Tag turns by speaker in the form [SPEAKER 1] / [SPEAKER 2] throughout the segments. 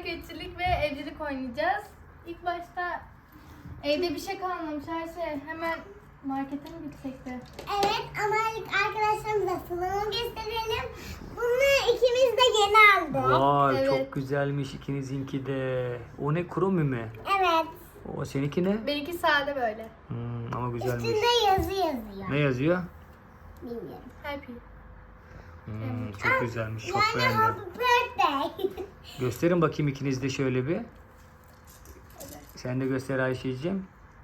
[SPEAKER 1] getirdik ve evcilik oynayacağız. İlk başta evde bir şey kalmamış her şey. Hemen markete mi gitsek de?
[SPEAKER 2] Evet ama ilk arkadaşlarımıza sunumunu gösterelim. Bunu ikimiz de yeni aldık.
[SPEAKER 3] Vay
[SPEAKER 1] Evet.
[SPEAKER 3] çok güzelmiş ikinizinki de. O ne, kromi mi?
[SPEAKER 2] Evet.
[SPEAKER 3] O seninki ne?
[SPEAKER 1] Benimki sade böyle.
[SPEAKER 3] Ama güzelmiş.
[SPEAKER 2] Üstünde yazı yazıyor.
[SPEAKER 3] Ne yazıyor?
[SPEAKER 2] Bilmiyorum.
[SPEAKER 1] Happy.
[SPEAKER 3] Çok güzelmiş. Çok
[SPEAKER 2] Yani
[SPEAKER 3] beğendim.
[SPEAKER 2] happy birthday.
[SPEAKER 3] Gösterin bakayım ikiniz de şöyle bir. Sen de göster Ayşe'cim.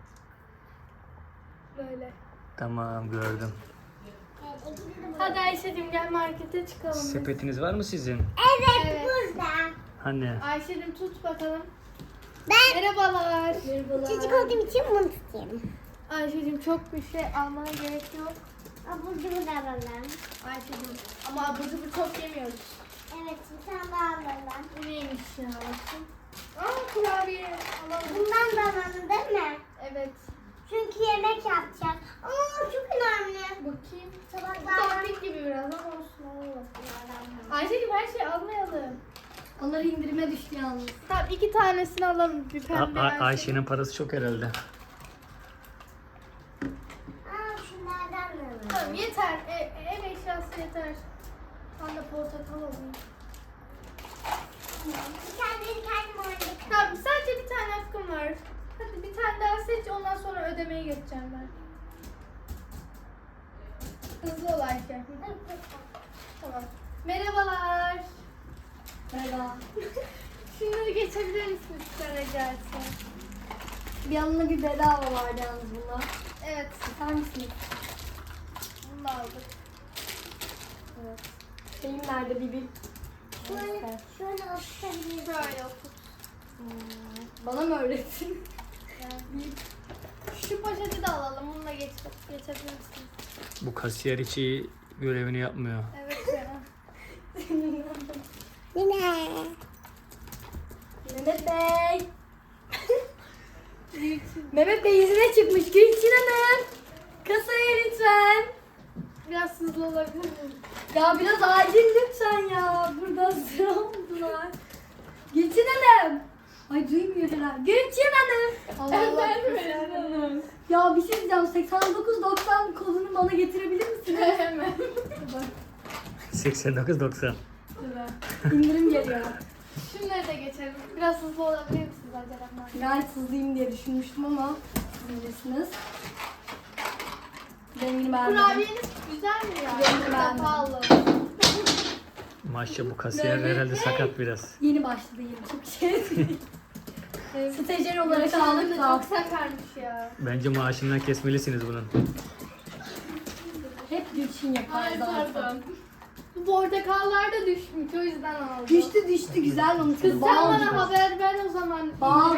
[SPEAKER 1] Böyle.
[SPEAKER 3] Tamam, gördüm.
[SPEAKER 1] Hadi Ayşe'cim gel markete çıkalım. biz.
[SPEAKER 3] Sepetiniz var mı sizin?
[SPEAKER 2] Evet,
[SPEAKER 1] Evet.
[SPEAKER 2] burada.
[SPEAKER 3] Hani?
[SPEAKER 1] Ayşe'cim tut bakalım.
[SPEAKER 2] Ben
[SPEAKER 1] Merhabalar.
[SPEAKER 2] çocuk olduğum için bunu tutayım.
[SPEAKER 1] Ayşe'cim çok bir şey almana gerek yok.
[SPEAKER 2] Abur cubur da alalım.
[SPEAKER 1] Ayşe'cim ama abur cubur çok yemiyoruz.
[SPEAKER 2] Evet, bir tane daha alalım.
[SPEAKER 1] Bu neymiş ya? Aa kurabiye alalım.
[SPEAKER 2] Bundan da alalım değil mi?
[SPEAKER 1] Evet.
[SPEAKER 2] Çünkü yemek yapacağız. Aa, çok önemli.
[SPEAKER 1] Bakayım.
[SPEAKER 2] Tabaklar.
[SPEAKER 1] Topping gibi biraz ama olsun alalım. Ayşe'cim her şeyi almayalım.
[SPEAKER 4] Onları indirime düştü yalnız.
[SPEAKER 1] Tamam 2 tanesini alalım. Bir pembe versin.
[SPEAKER 3] Ayşe'nin parası çok herhalde.
[SPEAKER 2] Aa, şunlardan da alalım.
[SPEAKER 1] Tamam yeter. Ev eşyası yeter. Ben de portakal alayım.
[SPEAKER 2] Bir tane kendim oynadık.
[SPEAKER 1] Tamam sadece bir tane hakkım var. Hadi bir tane daha seç ondan sonra ödemeye geçeceğim ben. Hızlı ol Ayşe. Tamam. Merhabalar.
[SPEAKER 4] Merhaba.
[SPEAKER 1] Şunları geçebilir misiniz lütfen rica etsem?
[SPEAKER 4] Bir yanına bir bedava vardı yalnız bunda.
[SPEAKER 1] Evet.
[SPEAKER 4] İster misiniz?
[SPEAKER 1] Bunu da aldık.
[SPEAKER 4] Evet. Şeyim nerede bir bil.
[SPEAKER 2] Şöyle oturtabiliriz.
[SPEAKER 1] Böyle otur.
[SPEAKER 4] Bana mı öğrettin?
[SPEAKER 1] Şu poşeti de alalım. Bununla geçebilir misiniz?
[SPEAKER 3] Bu kasiyer hiç iyi görevini yapmıyor.
[SPEAKER 1] Evet ya.
[SPEAKER 2] Yine.
[SPEAKER 4] Mehmet Bey. Mehmet Bey izine çıkmış. Gülçin Hanım. Kasaya lütfen.
[SPEAKER 1] Biraz hızlı olabilir miyim?
[SPEAKER 4] Ya biraz acil lütfen ya. Burada sıra oldular. Gülçin Hanım. Ay duymuyor herhalde. Gülçin Hanım. Allah Allah.
[SPEAKER 1] Efendim
[SPEAKER 4] Ya bir şey diyeceğim. 8990 kodunu bana getirebilir misiniz?
[SPEAKER 1] Hemen.
[SPEAKER 4] Bak.
[SPEAKER 3] 89.90.
[SPEAKER 4] İndirim geliyor.
[SPEAKER 1] Şunları da geçelim. Biraz hızlı olabilir misiniz acaba?
[SPEAKER 4] Gayet hızlıyım diye düşünmüştüm ama siz bilirsiniz. Rengini beğenmedim.
[SPEAKER 1] Kurabiyeniz güzel mi ya?
[SPEAKER 4] Rengi beğenmedim.
[SPEAKER 1] Pahalı.
[SPEAKER 3] Maşallah bu kasiyer herhalde sakat biraz.
[SPEAKER 4] Yeni başladı yeni çok şey değil. Stajyer olarak
[SPEAKER 1] Şunları
[SPEAKER 4] aldık
[SPEAKER 1] da
[SPEAKER 4] da
[SPEAKER 1] çok sakarmış ya.
[SPEAKER 3] Bence maaşından kesmelisiniz bunun.
[SPEAKER 4] hep Gülçin yapar
[SPEAKER 1] Ay
[SPEAKER 4] zaten.
[SPEAKER 1] pardon. Bu portakallar da düşmüş o yüzden aldım.
[SPEAKER 4] Düştü güzel onu
[SPEAKER 1] Kız sen
[SPEAKER 4] kız bal
[SPEAKER 1] bana
[SPEAKER 4] gibi.
[SPEAKER 1] haber ver o zaman.
[SPEAKER 4] Bal.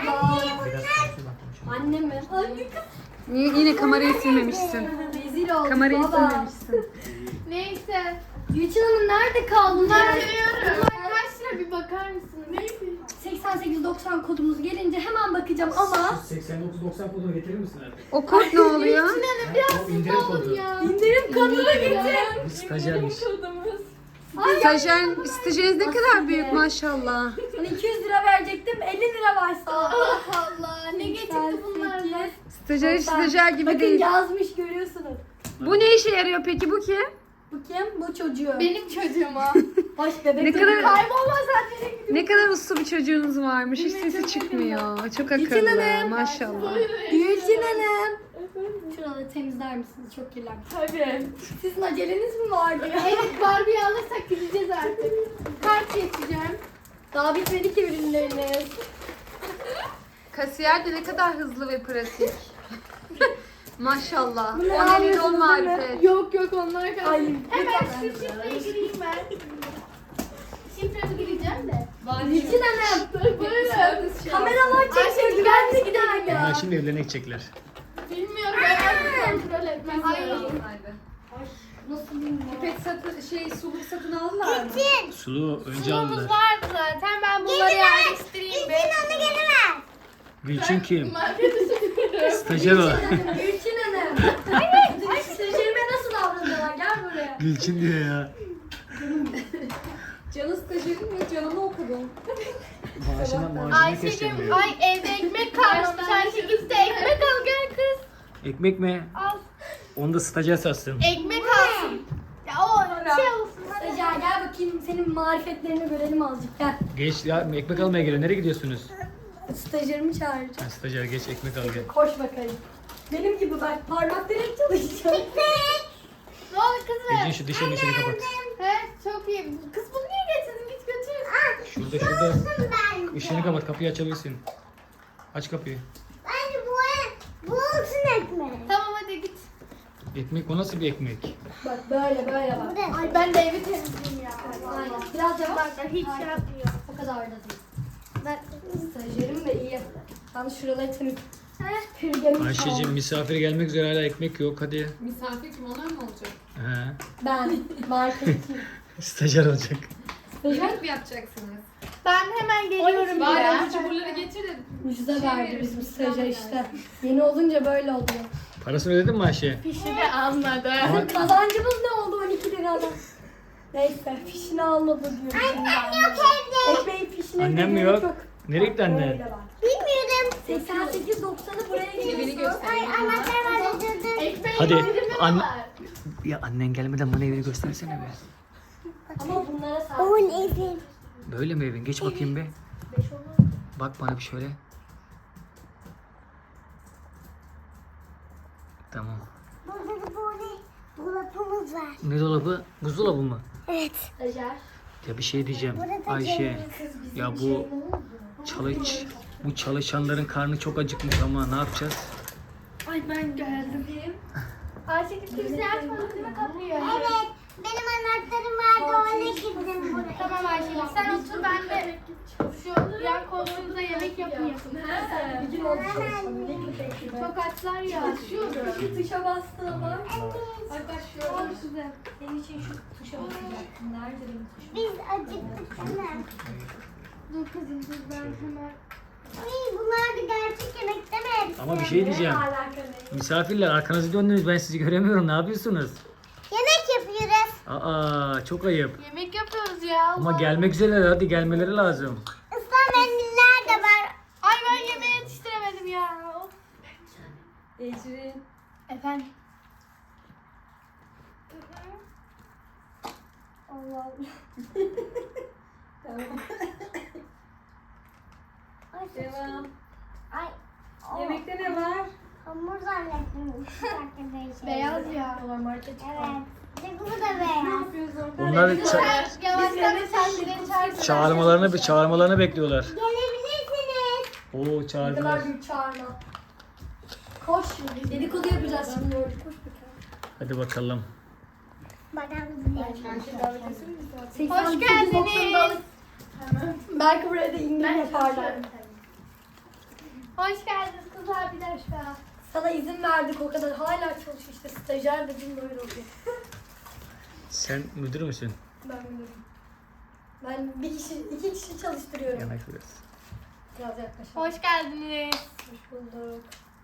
[SPEAKER 4] Anne mi? Anne kız.
[SPEAKER 5] Yine kamerayı silmemişsin.
[SPEAKER 4] Rezil olduk
[SPEAKER 5] Kamerayı
[SPEAKER 4] baba.
[SPEAKER 5] silmemişsin.
[SPEAKER 1] Neyse.
[SPEAKER 4] Gülçin Hanım nerede kaldın?
[SPEAKER 1] Bunlar kaç lira bir bakar mısınız? Neyse.
[SPEAKER 4] 8890 kodumuz gelince hemen bakacağım ama
[SPEAKER 3] 89.90 kodunu getirir misin artık?
[SPEAKER 5] O kod ne oluyor?
[SPEAKER 1] Sinan'ım biraz
[SPEAKER 3] O indirim
[SPEAKER 1] hızlı olun
[SPEAKER 3] kodu.
[SPEAKER 1] ya.
[SPEAKER 4] indirim kodunu getir.
[SPEAKER 3] Bu stajyermiş.
[SPEAKER 1] Kodumuz.
[SPEAKER 5] Stajyeriniz ne kadar büyük maşallah.
[SPEAKER 4] Hani 200 lira verecektim 50 lira varsa.
[SPEAKER 1] Allah Allah. Ne geçti bunlarla?
[SPEAKER 5] Stajyer gibi
[SPEAKER 4] Bakın
[SPEAKER 5] değil.
[SPEAKER 4] yazmış görüyorsunuz.
[SPEAKER 5] Bu ne işe yarıyor peki, bu kim?
[SPEAKER 4] Bu kim? Bu çocuğu.
[SPEAKER 1] Benim çocuğuma.
[SPEAKER 4] Baş bebek
[SPEAKER 5] Ne
[SPEAKER 4] çocuğu.
[SPEAKER 5] kadar
[SPEAKER 1] Kaybolmaz zaten.
[SPEAKER 5] ne kadar uslu bir çocuğunuz varmış. Hiç sesi çıkmıyor. Çok akıllı maşallah.
[SPEAKER 4] Gülçin Hanım. Şuraları temizler misiniz? Çok kirlenmiş.
[SPEAKER 1] Tabii.
[SPEAKER 4] Sizin aceleniz mi vardı ya?
[SPEAKER 1] Evet Barbie alırsak gideceğiz artık. Kart geçeceğim.
[SPEAKER 4] Daha bitmedi ki ürünleriniz.
[SPEAKER 5] Kasiyer de ne kadar hızlı ve pratik. Maşallah.
[SPEAKER 4] Bunu
[SPEAKER 5] O
[SPEAKER 4] alıyorsunuz
[SPEAKER 5] nedir o
[SPEAKER 4] değil mi?
[SPEAKER 5] marifet.
[SPEAKER 1] Yok onlar kaldı.
[SPEAKER 4] Ay,
[SPEAKER 1] Hemen şu şifreye gireyim ben. Şifremi gireceğim de.
[SPEAKER 4] Gülçin Hanım.
[SPEAKER 1] Buyurun.
[SPEAKER 4] Kameralar çekiyor.
[SPEAKER 1] Ayşe
[SPEAKER 4] Güvenlik
[SPEAKER 1] gider
[SPEAKER 4] gider
[SPEAKER 1] misin?
[SPEAKER 4] ya.
[SPEAKER 3] Bunlar şimdi evlerine gidecekler.
[SPEAKER 1] Bilmiyorum ben kontrol etmem lazım.
[SPEAKER 4] Nasıl bilmiyorum.
[SPEAKER 5] Pipet suluk satın aldılar mı?
[SPEAKER 3] Sulu önce
[SPEAKER 1] Sunumuz
[SPEAKER 3] aldılar.
[SPEAKER 1] vardı zaten ben bunları yerleştireyim be.
[SPEAKER 2] Onu geri ver.
[SPEAKER 3] Gülçin kim?
[SPEAKER 1] Markete sokuyorum.
[SPEAKER 3] Stajyer o.
[SPEAKER 4] Gülçin Hanım. Stajyerime nasıl davranıyorlar? Gel buraya.
[SPEAKER 3] Gülçin diyor ya.
[SPEAKER 5] Canı stajyerim ve canını okudum.
[SPEAKER 3] Maaşını
[SPEAKER 1] Ayşe'cim
[SPEAKER 3] kesemiyor.
[SPEAKER 1] ay evde ekmek kalmamış. Ayşe gitti ekmek al gel kız.
[SPEAKER 3] Ekmek mi?
[SPEAKER 1] Al.
[SPEAKER 3] Onu da stajyer satsın.
[SPEAKER 1] Ekmek alsın. Ya o şey olsun. Hadi.
[SPEAKER 4] Stajyer gel bakayım senin marifetlerini görelim azıcık gel.
[SPEAKER 3] Geç ya, ekmek almaya geliyor. Nereye gidiyorsunuz?
[SPEAKER 4] Stajyerimi çağıracağım.
[SPEAKER 3] Ha, stajyer geç ekmek al gel.
[SPEAKER 4] Koş bakayım. Benim gibi bak parmakları hep çalışacak.
[SPEAKER 1] Ne oldu kızım?
[SPEAKER 3] Ecin şu dişinin içini kapat.
[SPEAKER 1] He çok iyi. Kız bunu niye getirdin? Git götür.
[SPEAKER 3] Şurada.
[SPEAKER 2] Ben.
[SPEAKER 3] Işığını kapat, kapıyı açabilirsin. Aç kapıyı.
[SPEAKER 2] Bence bu olsun ekmek.
[SPEAKER 1] Tamam hadi git.
[SPEAKER 3] Ekmek, o nasıl bir ekmek?
[SPEAKER 4] Bak böyle bak.
[SPEAKER 2] Bu da.
[SPEAKER 1] Ay ben de evi temizleyeyim ya.
[SPEAKER 4] Aynen. Biraz yavaş.
[SPEAKER 1] Bak hiç şey yapmıyor.
[SPEAKER 4] O kadar da değil. Ben stajyerim de iyi. Ben şuraları temiz. Pürgemiş
[SPEAKER 3] Ayşe'cim misafir gelmek üzere, hala ekmek yok, hadi.
[SPEAKER 5] Misafir kim onlar mı olacak?
[SPEAKER 3] He.
[SPEAKER 4] Ben marketçiyim.
[SPEAKER 3] Stajyer olacak.
[SPEAKER 5] Yemek mi yapacaksınız?
[SPEAKER 1] Ben hemen geliyorum
[SPEAKER 5] Bari
[SPEAKER 1] ya.
[SPEAKER 5] abur cuburları getir de.
[SPEAKER 4] Müjde verdi
[SPEAKER 5] veririz,
[SPEAKER 4] bizim
[SPEAKER 5] biz
[SPEAKER 4] stajyer
[SPEAKER 5] ikram
[SPEAKER 4] işte. Yeni olunca böyle oluyor.
[SPEAKER 3] Parasını ödedin mi Ayşe?
[SPEAKER 1] Fişi de almadı.
[SPEAKER 3] Ama
[SPEAKER 4] Kazancımız ne oldu 12 liradan? Neyse fişini almadı diyorum.
[SPEAKER 2] Annem yok evde.
[SPEAKER 4] Ekmeğin fişine
[SPEAKER 3] Annem mi
[SPEAKER 4] gerek
[SPEAKER 3] yok? Nereye gitti annen?
[SPEAKER 4] Böyle bak.
[SPEAKER 2] Bilmiyorum.
[SPEAKER 4] 88-90'ı buraya
[SPEAKER 5] Beni
[SPEAKER 4] gidiyorsun.
[SPEAKER 5] göster.
[SPEAKER 2] Ay anahtar var öldürdüm.
[SPEAKER 1] Ekmeğin
[SPEAKER 3] Hadi,
[SPEAKER 1] indirimi
[SPEAKER 3] anne-
[SPEAKER 1] var.
[SPEAKER 3] Ya annen gelmeden bana evini göstersene be.
[SPEAKER 4] Ama bunlara sahip.
[SPEAKER 2] Onun evi.
[SPEAKER 3] Böyle mi evin? Geç bakayım be. Bak bana bir şöyle. Tamam.
[SPEAKER 2] Burada da böyle dolabımız var.
[SPEAKER 3] Ne dolabı? Buzdolabı mı?
[SPEAKER 2] Evet.
[SPEAKER 4] Stajyer.
[SPEAKER 3] Ya bir şey diyeceğim.
[SPEAKER 2] Burada
[SPEAKER 3] Ayşe. Ya bu çalışanların karnı çok acıkmış ama ne yapacağız?
[SPEAKER 1] Ay ben geldim. Ayşe kimse açmadı değil mi kapıyı?
[SPEAKER 2] Evet. Benim anahtarım vardı. Öyle girdim buraya.
[SPEAKER 1] Tamam Ayşe sen otur ben de şu yan koltuğumuza yemek yapayım.
[SPEAKER 4] Bir gün oldu çalışmam. Ne köpek gibi.
[SPEAKER 1] Çok açlar ya.
[SPEAKER 4] Şu tuşa bastığına bak.
[SPEAKER 1] Al size.
[SPEAKER 4] Senin için şu tuşa basacaktım. Nerede benim tuşum?
[SPEAKER 2] Biz acıktık sana.
[SPEAKER 1] Dur kızım dur ben hemen.
[SPEAKER 2] Ay bunlar da gerçek yemek değil mi hepsi?
[SPEAKER 3] Ama bir şey diyeceğim.
[SPEAKER 4] Ne alaka ne?
[SPEAKER 3] Misafirler arkanızı döndünüz, ben sizi göremiyorum. Ne yapıyorsunuz?
[SPEAKER 2] Yemek yapıyoruz.
[SPEAKER 3] Aa, çok ayıp.
[SPEAKER 1] Yemek yapıyoruz ya.
[SPEAKER 3] Ama
[SPEAKER 1] Allah.
[SPEAKER 3] gelmek üzereler, hadi gelmeleri lazım.
[SPEAKER 2] Islan mendiller de var.
[SPEAKER 1] Ay ben yemeği yetiştiremedim ya. Of.
[SPEAKER 4] Ecrin.
[SPEAKER 1] Efendim.
[SPEAKER 4] Allah Allah. Tamam.
[SPEAKER 2] Ay,
[SPEAKER 4] Devam.
[SPEAKER 2] Ay. o
[SPEAKER 4] Yemekte ne var?
[SPEAKER 2] Hamur zannettim.
[SPEAKER 1] Beyaz ya.
[SPEAKER 4] Market
[SPEAKER 2] Evet. Bir de bu da beyaz.
[SPEAKER 3] Onlar
[SPEAKER 1] Yavaştan sen
[SPEAKER 3] çağırmalarını bekliyorlar.
[SPEAKER 2] Gelebilirsiniz.
[SPEAKER 3] Oo,
[SPEAKER 4] Ne kadar
[SPEAKER 3] çağırdılar.
[SPEAKER 4] büyük çağırma. Koş. Dedikodu yapacağız şimdi orada. Koş bakalım.
[SPEAKER 3] Hadi bakalım.
[SPEAKER 2] Bakalım.
[SPEAKER 1] Hoş geldiniz.
[SPEAKER 4] Belki buraya da indirim yaparlar.
[SPEAKER 1] Hoş geldiniz kızlar bir dakika.
[SPEAKER 4] Sana izin verdik o kadar. Hala çalışıyor işte. Stajyer dedim böyle oluyor.
[SPEAKER 3] Sen müdür müsün?
[SPEAKER 4] Ben bilmiyorum. Ben iki kişi çalıştırıyorum.
[SPEAKER 3] Yanak biraz.
[SPEAKER 4] Biraz yaklaşalım.
[SPEAKER 1] Hoş geldiniz.
[SPEAKER 4] Hoş bulduk.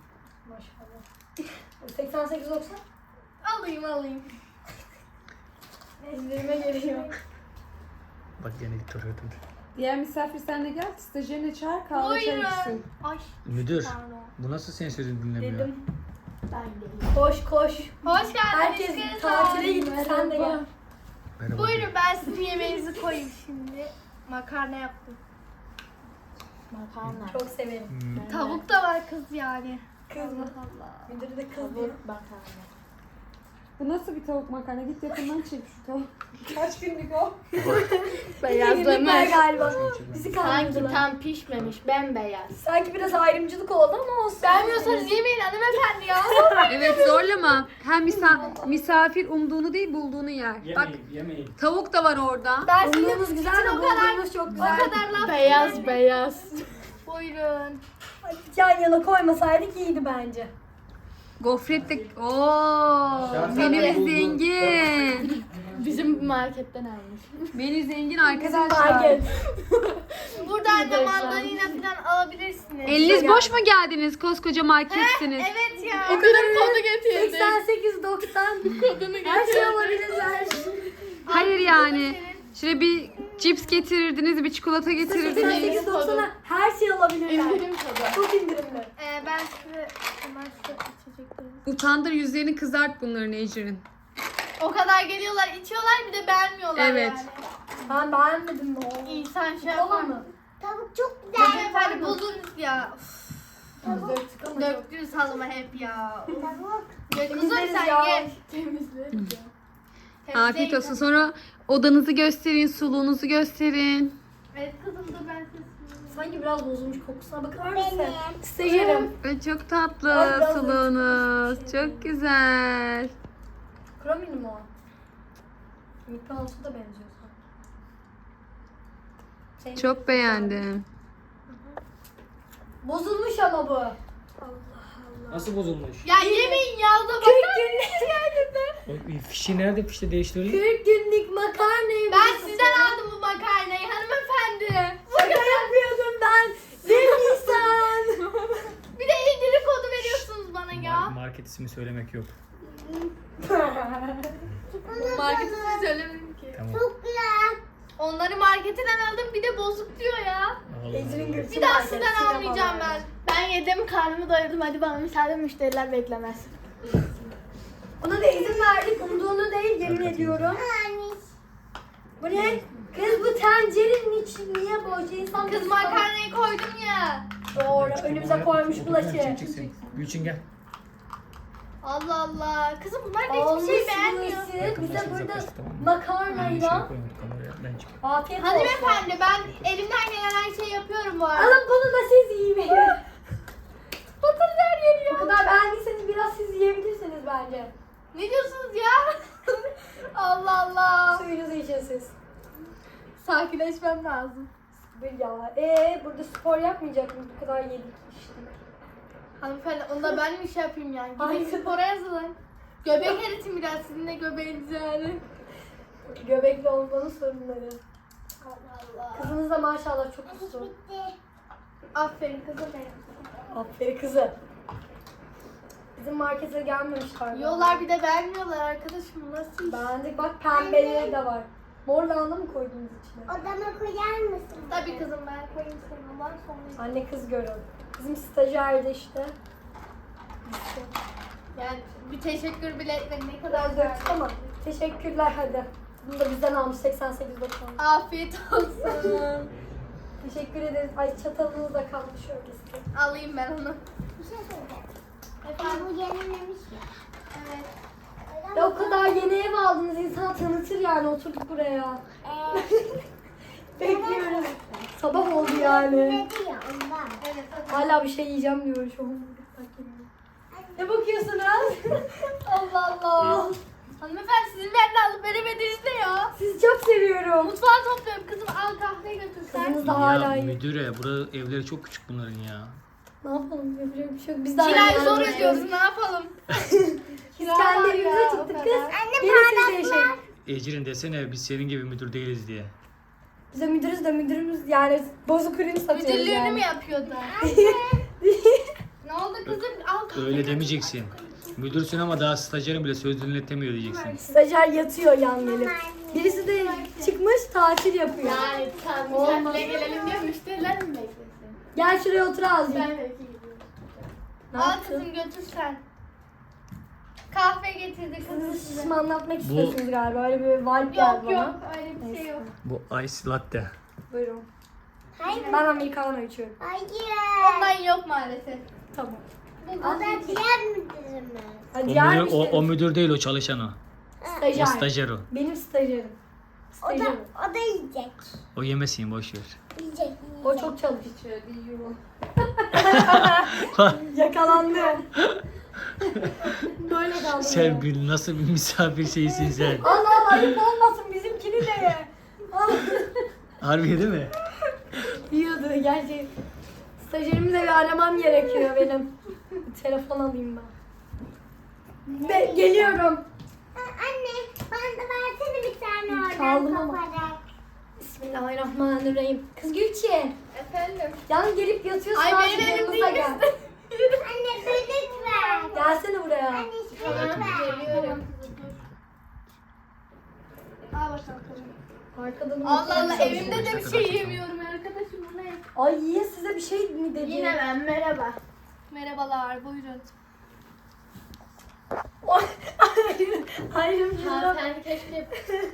[SPEAKER 4] Maşallah. 88-90.
[SPEAKER 1] Alayım.
[SPEAKER 4] İndirime geliyor.
[SPEAKER 3] Bak gene gitti oraya döndü.
[SPEAKER 5] Diğer misafir sen de gel. Stajyerini çağır kahve çay
[SPEAKER 1] Buyurun.
[SPEAKER 5] içsin.
[SPEAKER 1] Ay
[SPEAKER 3] Müdür,
[SPEAKER 1] pardon.
[SPEAKER 3] bu nasıl senin sözünü dinlemiyor?
[SPEAKER 4] Dedim. Koş.
[SPEAKER 1] Hoş geldiniz
[SPEAKER 4] Herkes
[SPEAKER 1] kızlar.
[SPEAKER 4] tatile gitti. Sen de gel.
[SPEAKER 3] Merhaba.
[SPEAKER 1] Buyurun ben sizin yemeğinizi koyayım şimdi. Makarna yaptım.
[SPEAKER 4] Çok severim.
[SPEAKER 1] Tavuk da var kız yani.
[SPEAKER 4] Kız mı?
[SPEAKER 1] Allah.
[SPEAKER 4] Müdürü de kız diyor.
[SPEAKER 5] Bu nasıl bir tavuk makarna? Git yakından çek şu tavuk. Kaç günlük o?
[SPEAKER 4] Yemekler galiba. Bizi
[SPEAKER 1] Sanki
[SPEAKER 4] kandırdılar.
[SPEAKER 1] tam pişmemiş bembeyaz.
[SPEAKER 4] Sanki biraz ayrımcılık oldu ama olsun.
[SPEAKER 1] Beğenmiyorsanız yemeyin hanımefendi ya.
[SPEAKER 5] Evet zorlama. Hem misafir umduğunu değil bulduğunu yer. Bak
[SPEAKER 3] Yemeyin.
[SPEAKER 5] tavuk da var orada.
[SPEAKER 1] Ben sizin
[SPEAKER 4] Umduğumuz güzel de
[SPEAKER 1] o kadar
[SPEAKER 4] bulduğumuz çok
[SPEAKER 1] o
[SPEAKER 4] güzel.
[SPEAKER 1] kadar laf beyaz. Buyurun.
[SPEAKER 4] Yan yana koymasaydık iyiydi bence.
[SPEAKER 5] Gofret de... Ooo. Menü zengin.
[SPEAKER 1] Bizim marketten almış.
[SPEAKER 5] Menü zengin arkadaşlar.
[SPEAKER 4] Market.
[SPEAKER 1] Buradan da mandalina falan alabilirsiniz.
[SPEAKER 5] Eliniz boş mu geldiniz? Koskoca marketsiniz.
[SPEAKER 1] Evet ya. O kadar kodu getirdim.
[SPEAKER 4] 88-90.
[SPEAKER 1] Kodunu
[SPEAKER 4] Her şey olabilir her şey.
[SPEAKER 5] Hayır yani. Şöyle bir cips getirirdiniz, bir çikolata getirirdiniz.
[SPEAKER 4] 88.90'a her şey alabilirler.
[SPEAKER 1] İndirim tadı.
[SPEAKER 4] Çok indirimli.
[SPEAKER 1] Ben size hemen şu içecekleri.
[SPEAKER 5] Utandır, yüzlerini kızart bunların Ecrin.
[SPEAKER 1] O kadar geliyorlar, içiyorlar, bir de beğenmiyorlar
[SPEAKER 5] Evet.
[SPEAKER 1] yani.
[SPEAKER 4] Ben beğenmedim mi o?
[SPEAKER 1] İnsan şey
[SPEAKER 4] Kola
[SPEAKER 1] yapar
[SPEAKER 4] mı?
[SPEAKER 2] Tavuk çok güzel.
[SPEAKER 1] Hanımefendi bozulmuş ya. Uf,
[SPEAKER 4] Biz döktük ama çok.
[SPEAKER 1] döktünüz halıma hep ya.
[SPEAKER 2] Tavuk.
[SPEAKER 1] Ya kızım
[SPEAKER 4] Temizleriz
[SPEAKER 1] sen
[SPEAKER 4] ya.
[SPEAKER 1] gel.
[SPEAKER 4] Temizleriz ya.
[SPEAKER 5] Afiyet olsun. Sonra odanızı gösterin, suluğunuzu gösterin.
[SPEAKER 1] Evet kızım da ben size
[SPEAKER 4] Sanki biraz bozulmuş kokusuna bakar mısın?
[SPEAKER 2] Benim.
[SPEAKER 4] Stajyerim.
[SPEAKER 5] Ay, çok tatlı
[SPEAKER 4] Ay, biraz
[SPEAKER 5] suluğunuz. Çok güzel.
[SPEAKER 4] Kromili mi o? Mikrofonsu da benziyor sana. Senin
[SPEAKER 5] Çok beğendim.
[SPEAKER 4] Bozulmuş ama bu.
[SPEAKER 3] Nasıl bozulmuş?
[SPEAKER 1] Ya yemeyin ya da
[SPEAKER 4] 40 günlük
[SPEAKER 3] Fişi nerede? Fişi değiştirelim.
[SPEAKER 4] 40 günlük makarnayı
[SPEAKER 1] Ben sizden aldım bu makarnayı hanımefendi.
[SPEAKER 4] Şaka yapıyordum ben. Sevgilsen.
[SPEAKER 1] Bir de indirim kodu veriyorsunuz bana ya.
[SPEAKER 3] Market ismi söylemek yok.
[SPEAKER 1] Marketi size söylemedim ki.
[SPEAKER 3] Tamam.
[SPEAKER 2] Çok güzel.
[SPEAKER 1] Onları marketinden aldım bir de bozuk diyor ya.
[SPEAKER 4] Ecrin Gülsün
[SPEAKER 1] Bir daha
[SPEAKER 4] market,
[SPEAKER 1] sizden
[SPEAKER 4] sinema
[SPEAKER 1] almayacağım
[SPEAKER 4] var.
[SPEAKER 1] ben. Ben yedim karnımı doyurdum hadi bana müsaade müşteriler beklemez.
[SPEAKER 4] Ona da izin verdik. Umduğunu değil yemin ediyorum.
[SPEAKER 2] Anne.
[SPEAKER 4] Bu ne? Kız bu tencerenin içi niye boş? İnsan
[SPEAKER 1] Kız makarnayı koydum ya.
[SPEAKER 4] Doğru. Önümüze koymuş bulaşı.
[SPEAKER 3] Gülçin gel.
[SPEAKER 1] Allah Allah. Kızım bunlar da hiçbir şey beğenmiyor.
[SPEAKER 4] Bize burada
[SPEAKER 3] Yaklaşık, tamam mı?
[SPEAKER 4] makarnayla
[SPEAKER 3] Ben çıkayım.
[SPEAKER 4] afiyet olsun.
[SPEAKER 1] Hanımefendi ben elimden gelen her şeyi yapıyorum bu arada.
[SPEAKER 4] Alın bunu da siz yiyin. Batırdı her yeri ya. O kadar beğendiyseniz biraz siz yiyebilirsiniz bence.
[SPEAKER 1] Ne diyorsunuz ya? Allah Allah.
[SPEAKER 4] Suyunuzu için siz.
[SPEAKER 1] Sakinleşmem lazım.
[SPEAKER 4] Bir ya. Burada spor yapmayacak mıyız? Bu kadar yedik içtik.
[SPEAKER 1] Hanımefendi onu da ben mi şey yapayım yani?
[SPEAKER 4] Ay.
[SPEAKER 1] Gidin spora yazılın. Göbek eritin biraz sizin de göbeğiniz yani.
[SPEAKER 4] Göbekli olmanın sorunları.
[SPEAKER 1] Allah Allah.
[SPEAKER 4] Kızınız da maşallah çok uslu.
[SPEAKER 2] Bitti.
[SPEAKER 1] Aferin kızım benim.
[SPEAKER 4] Aferin kızı. Bizim markete gelmemişler.
[SPEAKER 1] Yiyorlar bir de vermiyorlar arkadaşım nasıl iş?
[SPEAKER 4] Beğendik. Bak pembeleri de var. Mor lahana mı koydunuz içine?
[SPEAKER 2] Odama koyar mısın?
[SPEAKER 1] Tabii kızım ben koyayım senin olan sonra.
[SPEAKER 4] Anne kız görün. Bizim stajyerdi işte.
[SPEAKER 1] Yani bir teşekkür bile etmedi ne
[SPEAKER 4] Biraz
[SPEAKER 1] kadar
[SPEAKER 4] döktük ama teşekkürler hadi. Bunu da bizden almış 88.90.
[SPEAKER 1] Afiyet olsun.
[SPEAKER 4] Teşekkür ederiz. Ay çatalınız da kalmış şöyle.
[SPEAKER 1] Alayım ben onu.
[SPEAKER 2] Bir şey söyleyeceğim.
[SPEAKER 1] Efendim?
[SPEAKER 2] Bu yenilemiş ya.
[SPEAKER 1] Evet.
[SPEAKER 4] Ya o kadar yeni ev aldınız insan tanıtır yani oturduk buraya. Bekliyoruz. Sabah oldu yani.
[SPEAKER 2] Dedi ya ondan.
[SPEAKER 1] Evet hadi.
[SPEAKER 4] Hala bir şey yiyeceğim diyor şu an. Ne bakıyorsunuz? Allah Allah.
[SPEAKER 1] Hanımefendi sizin benden alıp veremediğiniz ne ya?
[SPEAKER 4] Sizi çok seviyorum.
[SPEAKER 1] Mutfağa topluyorum kızım al kahve götür sen.
[SPEAKER 4] Kızınız da hala
[SPEAKER 3] Ya
[SPEAKER 4] iyi.
[SPEAKER 3] müdüre, burada evleri çok küçük bunların ya.
[SPEAKER 4] Ne yapalım yapacak bir şey yok. Biz de
[SPEAKER 1] Kirayı
[SPEAKER 4] aynı
[SPEAKER 1] zor
[SPEAKER 4] yerde
[SPEAKER 1] ödüyoruz ne yapalım?
[SPEAKER 4] Biz kendi evimize çıktık kız.
[SPEAKER 2] Anne
[SPEAKER 4] Gelin siz de yaşayın.
[SPEAKER 3] Ecrin desene biz senin gibi müdür değiliz diye.
[SPEAKER 4] Bize müdürümüz yani bozuk ürün satıyoruz
[SPEAKER 1] Müdürlüğünü
[SPEAKER 4] yani.
[SPEAKER 1] mü yapıyordu? Ne oldu kızım? Al kahve.
[SPEAKER 3] Öyle demeyeceksin. Müdürsün ama daha stajyerin bile söz dinletemiyor diyeceksin.
[SPEAKER 4] Stajyer yatıyor yan gelip. Birisi de çıkmış tatil yapıyor.
[SPEAKER 1] Yani sen
[SPEAKER 4] Olmaz.
[SPEAKER 1] misafirle gelelim diyor müşteriler mi beklesin?
[SPEAKER 4] Gel şuraya otur azıcık.
[SPEAKER 1] Ben belki gidiyorum.
[SPEAKER 4] Ne
[SPEAKER 1] Al
[SPEAKER 4] yaptın?
[SPEAKER 1] kızım götür sen. Kahve getirdi kızım
[SPEAKER 4] Siz
[SPEAKER 1] size.
[SPEAKER 4] şimdi anlatmak istiyorsunuz galiba. Öyle bir vibe geldi
[SPEAKER 1] Yok
[SPEAKER 4] bana.
[SPEAKER 1] yok öyle bir şey yok.
[SPEAKER 3] Bu ice latte.
[SPEAKER 4] Buyurun.
[SPEAKER 2] Hayır.
[SPEAKER 4] Ben americano içiyorum.
[SPEAKER 2] Hayır.
[SPEAKER 1] Ondan yok maalesef.
[SPEAKER 4] Tamam.
[SPEAKER 2] O da diğer müdürümüz.
[SPEAKER 4] Ha,
[SPEAKER 3] O
[SPEAKER 4] diğer
[SPEAKER 3] müdür, o müdür değil, o çalışan o.
[SPEAKER 4] stajyer.
[SPEAKER 3] O stajyer o.
[SPEAKER 4] Benim stajyerim.
[SPEAKER 2] O da,
[SPEAKER 4] Stajyerim.
[SPEAKER 2] o da yiyecek.
[SPEAKER 3] O yemesin, boş ver.
[SPEAKER 2] Yiyecek.
[SPEAKER 4] O çok çalışıyor. Yakalandı. Böyle kaldı.
[SPEAKER 3] Sen bir nasıl bir misafir şeysin sen.
[SPEAKER 4] Allah Allah ayıp olmasın bizimkini de ye. Allah.
[SPEAKER 3] Harbi değil mi?
[SPEAKER 4] Yiyordu gerçi. Stajyerimi de bir aramam gerekiyor benim. Telefon alayım ben. Geliyorum.
[SPEAKER 2] Anne bana da versene bir tane oradan
[SPEAKER 4] Çaldım ama.
[SPEAKER 2] koparak.
[SPEAKER 4] Bismillahirrahmanirrahim. Kız Gülçin.
[SPEAKER 1] Efendim?
[SPEAKER 4] Yan gelip yatıyorsun.
[SPEAKER 1] Ay
[SPEAKER 4] azıcık
[SPEAKER 1] benim elim
[SPEAKER 4] yanımıza
[SPEAKER 1] değil
[SPEAKER 4] gel.
[SPEAKER 2] Anne böcek ver.
[SPEAKER 4] Gelsene buraya.
[SPEAKER 2] Anne şunu ver.
[SPEAKER 1] Geliyorum. Al bakalım.
[SPEAKER 4] Arkadan
[SPEAKER 1] Allah Allah
[SPEAKER 4] unutmaya
[SPEAKER 1] evimde de bir
[SPEAKER 3] çalışıyorum.
[SPEAKER 1] şey yemiyorum arkadaşım. Bu ne?
[SPEAKER 4] Ay yiye size bir şey mi dedi?
[SPEAKER 1] Yine ben merhaba. Merhabalar buyurun.
[SPEAKER 4] Hayır.
[SPEAKER 1] Sen keşke.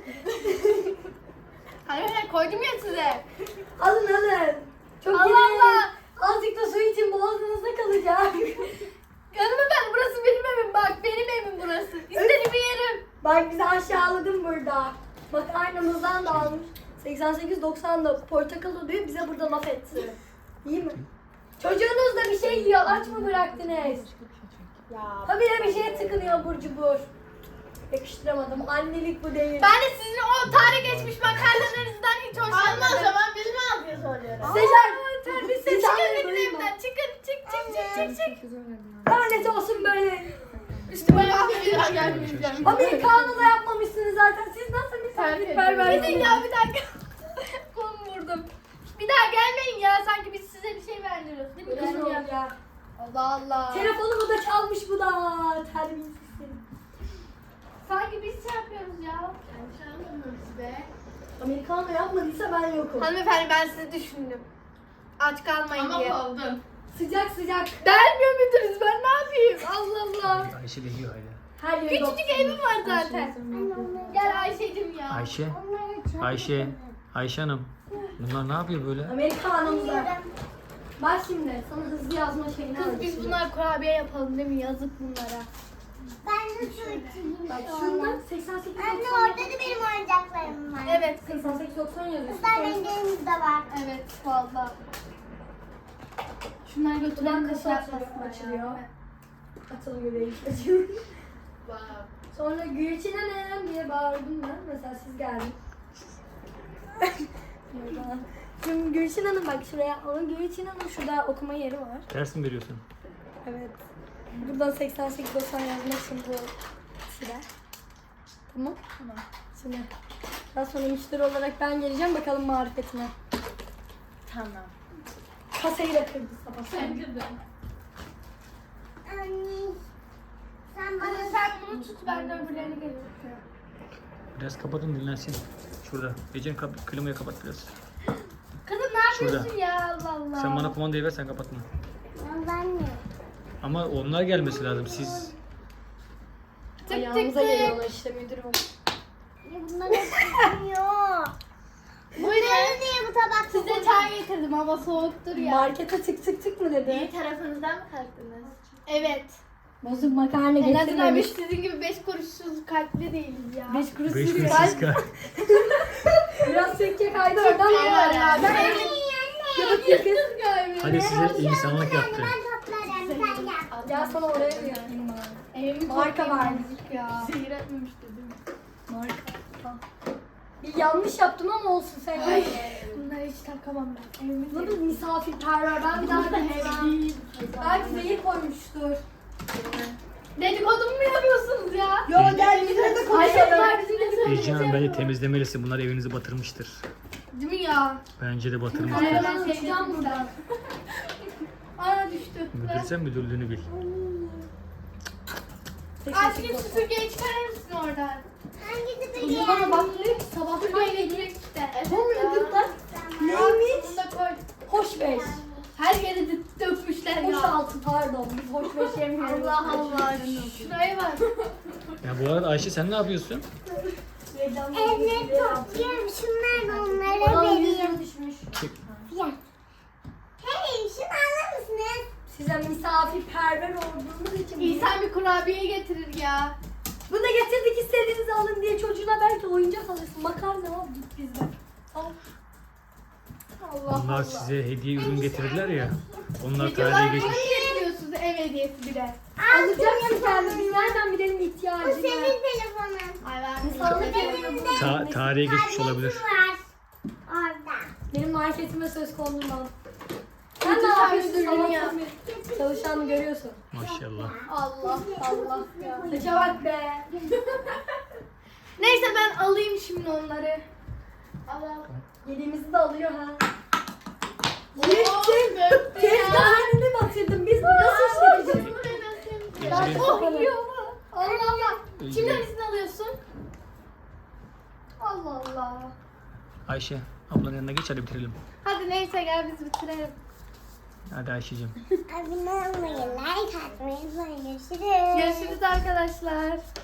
[SPEAKER 1] Hayır koydum ya size.
[SPEAKER 4] Alın alın. Çok
[SPEAKER 1] Allah
[SPEAKER 4] yemeyin.
[SPEAKER 1] Allah.
[SPEAKER 4] Azıcık da su için boğazınızda kalacak.
[SPEAKER 1] Hanımefendi burası benim evim bak benim evim burası. İstediğimi yerim.
[SPEAKER 4] Bak bizi aşağıladın burada. Bak aynamızdan da almış. 88-90'da portakal oluyor bize burada laf etti. İyi mi? Çocuğunuz da bir şey yiyor. Aç mı bıraktınız?
[SPEAKER 1] Ya.
[SPEAKER 4] Habire bir şeye tıkınıyor burcu bur. Yakıştıramadım. Annelik bu değil.
[SPEAKER 1] Ben de sizin o tarih geçmiş makarnalarınızdan hiç hoşlanmadım. Ama o zaman biz mi yapıyoruz oluyoruz?
[SPEAKER 4] Sezer.
[SPEAKER 1] Terbiyesiz
[SPEAKER 4] Bir tane
[SPEAKER 1] çıkın benim
[SPEAKER 4] duyma.
[SPEAKER 1] evimden. Çıkın.
[SPEAKER 4] Lanet olsun böyle.
[SPEAKER 1] Üstüme bir daha gelmeyeceğim.
[SPEAKER 4] Amerikanı da yapmamışsınız zaten. Siz nasıl misafirperversiniz?
[SPEAKER 1] Gidin ya bir dakika. Kolumu vurdum. Bir daha gelmeyin ya sanki biz size bir şey verdiriyoruz değil mi?
[SPEAKER 4] Kızım
[SPEAKER 1] Yani ya.
[SPEAKER 4] ya.
[SPEAKER 1] Allah Allah.
[SPEAKER 4] Telefonumu da çalmış bu da. Terbiyesiz seni.
[SPEAKER 1] Sanki biz şey yapıyoruz ya. Be.
[SPEAKER 4] Amerikanı yapmadıysa ben yokum.
[SPEAKER 1] Hanımefendi ben sizi düşündüm. Aç kalmayın diye. Ama oldum.
[SPEAKER 4] Sıcak sıcak.
[SPEAKER 1] Dermiyor muydunuz ben ne yapayım? Allah Allah.
[SPEAKER 3] Ayşe de yiyor hala.
[SPEAKER 4] Her yeri
[SPEAKER 1] Küçücük evim var zaten. Gel Ayşe'cim ya.
[SPEAKER 3] Ayşe. Ayşe. Ayşe Hanım. Bunlar ne yapıyor böyle?
[SPEAKER 4] Amerikanımıza. Bak şimdi sana hızlı yazma şeyini
[SPEAKER 1] Kız biz
[SPEAKER 4] öğreteceğim.
[SPEAKER 1] bunlar kurabiye yapalım değil mi? Yazık bunlara.
[SPEAKER 2] Ben de su içeyim.
[SPEAKER 4] Bak şunda 88
[SPEAKER 2] Anne orada da benim oyuncaklarım var.
[SPEAKER 1] Evet.
[SPEAKER 4] 88 90 yazıyor.
[SPEAKER 2] Kızlar rengelerimiz de var.
[SPEAKER 1] Evet valla. Şunları
[SPEAKER 4] Buradan
[SPEAKER 1] götüren
[SPEAKER 4] kasa
[SPEAKER 1] kasa
[SPEAKER 4] açılıyor.
[SPEAKER 1] açılıyor.
[SPEAKER 4] Atılıyor benim çocuğum. Sonra Gülçin Hanım diye bağırdım ben. Mesela siz geldin. Şimdi Gülçin Hanım bak şuraya alın. Gülçin Hanım şurada okuma yeri var.
[SPEAKER 3] Ders mi veriyorsun?
[SPEAKER 4] Evet. Buradan 88 90 yazmak için bu sıra. Tamam. Tamam. Şimdi daha sonra müşteri olarak ben geleceğim bakalım marifetine.
[SPEAKER 1] Tamam.
[SPEAKER 4] Kasayı da kırdı sabah.
[SPEAKER 1] Bence de.
[SPEAKER 2] Anne. Sen
[SPEAKER 1] Hadi
[SPEAKER 2] bana
[SPEAKER 1] sen bunu tut ben de öbürlerini getireceğim.
[SPEAKER 3] Biraz kapatın dinlensin. Şurada. Ece'nin klimayı kapat biraz.
[SPEAKER 1] Kızım ne yapıyorsun ya Allah Allah.
[SPEAKER 3] Sen bana kumandayı ver sen kapatma.
[SPEAKER 2] ben mi?
[SPEAKER 3] Ama onlar gelmesi lazım. Siz
[SPEAKER 1] tık
[SPEAKER 4] Ayağımıza
[SPEAKER 1] tık.
[SPEAKER 4] geliyorlar işte müdürüm.
[SPEAKER 2] Ya bunlar hep çıkmıyor. Buyurun niye bu tabak
[SPEAKER 1] Size çay getirdim hava soğuktur ya.
[SPEAKER 4] Markete tık tık tık mı dedi?
[SPEAKER 1] İyi tarafınızdan mı kalktınız? Evet.
[SPEAKER 4] Bozuk makarna
[SPEAKER 1] En azından biz
[SPEAKER 4] getirmemiş.
[SPEAKER 1] sizin gibi 5 kuruşsuz kalpli değiliz ya.
[SPEAKER 4] 5 kuruş
[SPEAKER 3] 5
[SPEAKER 4] sürüyor.
[SPEAKER 3] kuruş kal.
[SPEAKER 4] Biraz sekke kaydı oradan
[SPEAKER 1] Şey var
[SPEAKER 4] ama.
[SPEAKER 1] ya. Ben
[SPEAKER 3] Hadi size insanlık yaptı.
[SPEAKER 2] Ben toplarım sen gel.
[SPEAKER 4] Gel sana oraya bir yapayım bari.
[SPEAKER 1] Evimi
[SPEAKER 4] Marka
[SPEAKER 1] toplayayım
[SPEAKER 4] verdik
[SPEAKER 1] azıcık ya. Sihir etmemiş dedim.
[SPEAKER 4] Marka. Tamam. Bir yanlış yaptım ama olsun sen.
[SPEAKER 1] Ay. Bunları hiç takamam ben. Evimi
[SPEAKER 4] Bu da misafirperver. Ben bir daha gideceğim. Belki zehir koymuştur.
[SPEAKER 1] Dedikodu mu yapıyorsunuz ya?
[SPEAKER 4] Yo gel bizimle de
[SPEAKER 1] Ayşe
[SPEAKER 4] konuşalım.
[SPEAKER 1] bunlar bizimle söyleyecek.
[SPEAKER 3] Ece Hanım bence temizlemelisin. Bunlar evinizi batırmıştır.
[SPEAKER 1] Değil mi ya?
[SPEAKER 3] Bence de
[SPEAKER 1] Ay,
[SPEAKER 3] batırmıştır.
[SPEAKER 1] ben şey
[SPEAKER 4] Uçacağım buradan.
[SPEAKER 1] Aa düştü.
[SPEAKER 3] Müdür sen müdürlüğünü bil.
[SPEAKER 1] Aşkım süpürgeyi çıkarır mısın oradan?
[SPEAKER 2] Hangisi
[SPEAKER 4] Çocuğu
[SPEAKER 2] peki?
[SPEAKER 4] bana bakmıyor ki sabahtan
[SPEAKER 1] Süpürgeyi
[SPEAKER 4] beri.
[SPEAKER 1] getirecek işte.
[SPEAKER 4] Bu muydu lan? Neymiş?
[SPEAKER 1] Bunu da koy.
[SPEAKER 4] Hoş beş.
[SPEAKER 1] Her yere dökmüşler
[SPEAKER 4] Hoş
[SPEAKER 1] ya.
[SPEAKER 4] altı pardon. Biz hoş beş yemiyoruz.
[SPEAKER 1] Allah Allah. Şuraya bak.
[SPEAKER 3] Ya bu arada Ayşe sen ne yapıyorsun?
[SPEAKER 2] Evleri topluyorum. Şunlar da onlara
[SPEAKER 4] Bana 100
[SPEAKER 2] vereyim.
[SPEAKER 4] lira düşmüş.
[SPEAKER 2] Fiyat. Hey şunu alır mısınız?
[SPEAKER 4] Size misafirperver olduğunuz için.
[SPEAKER 1] İnsan bir kurabiye getirir ya.
[SPEAKER 4] Bunu da getirdik istediğinizi alın diye çocuğuna belki oyuncak alırsın. Makarna al git bizden. Al.
[SPEAKER 1] Allah
[SPEAKER 3] Onlar
[SPEAKER 1] Allah.
[SPEAKER 3] size hediye ürün getirdiler ya. Onlar
[SPEAKER 1] Videolar
[SPEAKER 3] tarihe
[SPEAKER 1] ne
[SPEAKER 3] geçmiş.
[SPEAKER 1] getiriyorsunuz ev hediyesi bile.
[SPEAKER 4] Alacaksın kendin. Biz nereden bilelim
[SPEAKER 2] Bu
[SPEAKER 4] ihtiyacını?
[SPEAKER 2] senin telefonun.
[SPEAKER 1] Ay ben
[SPEAKER 4] İnsanlık
[SPEAKER 2] Benim de
[SPEAKER 3] Tarihe geçmiş olabilir.
[SPEAKER 2] var. Orada.
[SPEAKER 4] Benim marketime söz konulmaz. Sen
[SPEAKER 1] Kötü
[SPEAKER 4] ne yapıyorsun?
[SPEAKER 1] sahibi ya.
[SPEAKER 4] Sabahtan çalışanı görüyorsun.
[SPEAKER 3] Maşallah.
[SPEAKER 1] Allah Allah ya.
[SPEAKER 4] Saça bak be.
[SPEAKER 1] Neyse ben alayım şimdi onları. Allah.
[SPEAKER 4] Yediğimizi de alıyor ha.
[SPEAKER 1] Yettim.
[SPEAKER 4] Tezgahını batırdım. Biz nasıl işleteceğiz?
[SPEAKER 3] Ece'nin
[SPEAKER 1] Oh yiyor. Allah Allah.
[SPEAKER 3] Ece-
[SPEAKER 1] Kimden izin alıyorsun? Allah Allah.
[SPEAKER 3] Ayşe ablanın yanına geç hadi bitirelim.
[SPEAKER 1] Hadi neyse gel biz bitirelim.
[SPEAKER 3] Hadi Ayşe'cim.
[SPEAKER 2] Abone olmayı, like atmayı, görüşürüz.
[SPEAKER 1] Görüşürüz arkadaşlar.